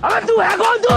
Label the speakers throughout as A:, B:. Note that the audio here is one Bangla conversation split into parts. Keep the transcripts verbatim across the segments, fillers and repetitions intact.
A: अबे तू है कौन तू?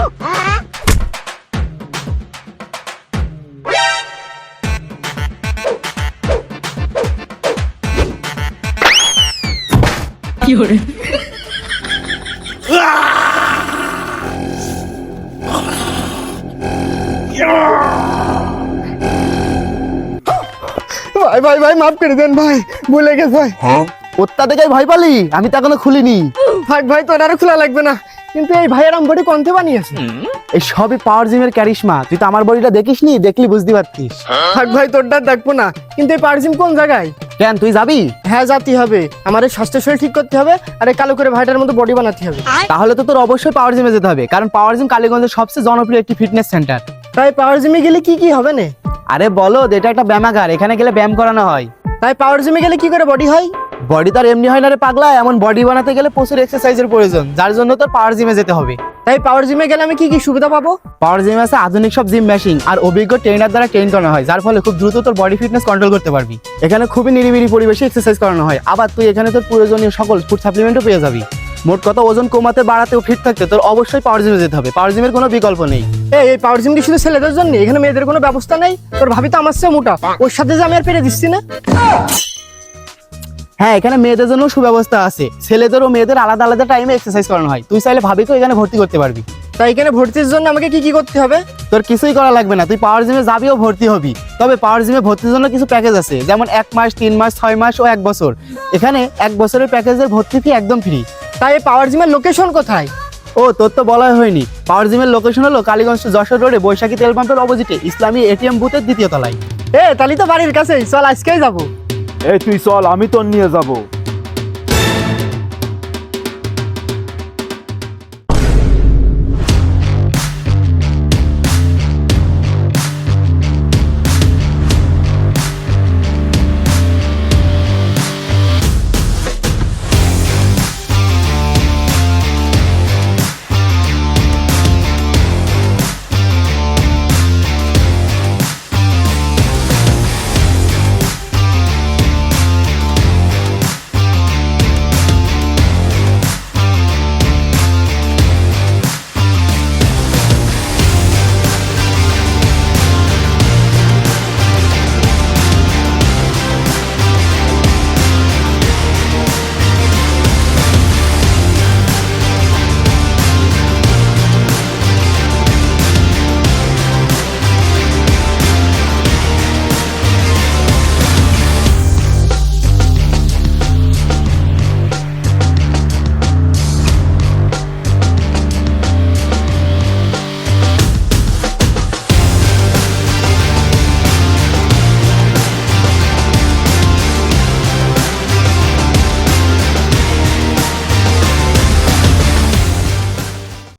B: ভাই ভাই ভাই মাফ করে দেন ভাই, ভুলে গেছে ভাই।
C: ওত্তা দেখে ভয় পালি? আমি তো এখনো খুলিনি।
B: ভাই ভাই তোর আর খোলা লাগবে না, কিন্তু এই ভাইয়ের আম বডি কোনতে বানিয়েছে?
C: এই সবই পাওয়ার জিমের ক্যারিশমা। তুই তো আমার বডিটা দেখিসনি, দেখলি বুঝতে পারতিস।
B: ভাই ভাই তোরটা দেখবো না, কিন্তু এই পারজিম কোন জায়গায়?
C: কেন তুই যাবি?
B: হ্যাঁ জাতি হবে, আমার এই স্বাস্থ্য শরীর ঠিক করতে হবে, আর এই কালো করে ভাইটার মতো বডি বানাতে হবে।
C: তাহলে তো তোর অবশ্যই পাওয়ার জিমে যেতে হবে, কারণ পাওয়ার জিম কালীগঞ্জের সবচেয়ে জনপ্রিয় একটি ফিটনেস সেন্টার।
B: তাই পাওয়ার জিমে গেলে কি কি হবে না?
C: আরে বলো, এটা একটা ব্যায়ামাগার, এখানে গেলে ব্যায়াম করানো হয়।
B: তাই পাওয়ার জিমে গেলে কি করে বডি হয়?
C: বডি তো আর এমনি হয় না রে পাগলা, এমন বডি বানাতে গেলে প্রচুর এক্সারসাইজের প্রয়োজন, যার জন্য তোর পাওয়ার জিমে যেতে হবে।
B: তাই পাওয়ার জিমে গেলে আমি কি কি সুবিধা পাবো?
C: পাওয়ার জিমে আছে আধুনিক সব জিম মেশিন আর অভিজ্ঞ ট্রেনার দ্বারা ট্রেন করানো হয়, যার ফলে খুব দ্রুত তোর বডি ফিটনেস কন্ট্রোল করতে পারবি। এখানে খুবই নিরিবিলি পরিবেশে এক্সারসাইজ করানো হয়, আবার তুই এখানে তোর প্রয়োজনীয় সকল ফুড সাপ্লিমেন্টও পেয়ে যাবি। মোট কথা, ওজন কমাতে বাড়াতে ও ফিট থাকতে তোর অবশ্যই পাওয়ার জিমে যেতে হবে। পাওয়ার জিমের কোনো বিকল্প নেই।
B: এই এই পাওয়ার জিম কি শুধু ছেলেদের জন্য? এখানে মেয়েদের কোনো ব্যবস্থা নেই? তোর ভাবি তো আমার চেয়ে মোটা, ওর সাথে যে আমি আর পেরে দিচ্ছি না।
C: হ্যাঁ, এখানে মেয়েদের জন্য সুব্যবস্থা আছে, ছেলেদের ও মেয়েদের আলাদা আলাদা টাইমে এক্সারসাইজ করানো হয়। তুই চাইলে ভাবিকেও এখানে ভর্তি করতে পারবি।
B: তাই এখানে ভর্তির জন্য আমাকে কি কি করতে হবে?
C: তোর কিছুই করা লাগবে না, তুই পাওয়ার জিমে যাবি ও ভর্তি হবি। তবে পাওয়ার জিমে ভর্তির জন্য কিছু প্যাকেজ আছে, যেমন এক মাস, তিন মাস, ছয় মাস ও এক বছর। এখানে এক বছরের প্যাকেজের ভর্তি ফি একদম ফ্রি।
B: তাই এই পাওয়ার জিমের লোকেশন কোথায়?
C: ও তোর তো বলাই হয়নি, পাওয়ার জিমের লোকেশন হলো কালীগঞ্জ যশোর রোডে বৈশাখী তেল পাম্পের অপোজিটে ইসলামী এটিএম বুথের দ্বিতীয় তলায়।
B: এ তালি তো বাড়ির কাছেই, চল আজকেই যাবো।
D: এই তুই চল, আমি তোর নিয়ে যাবো।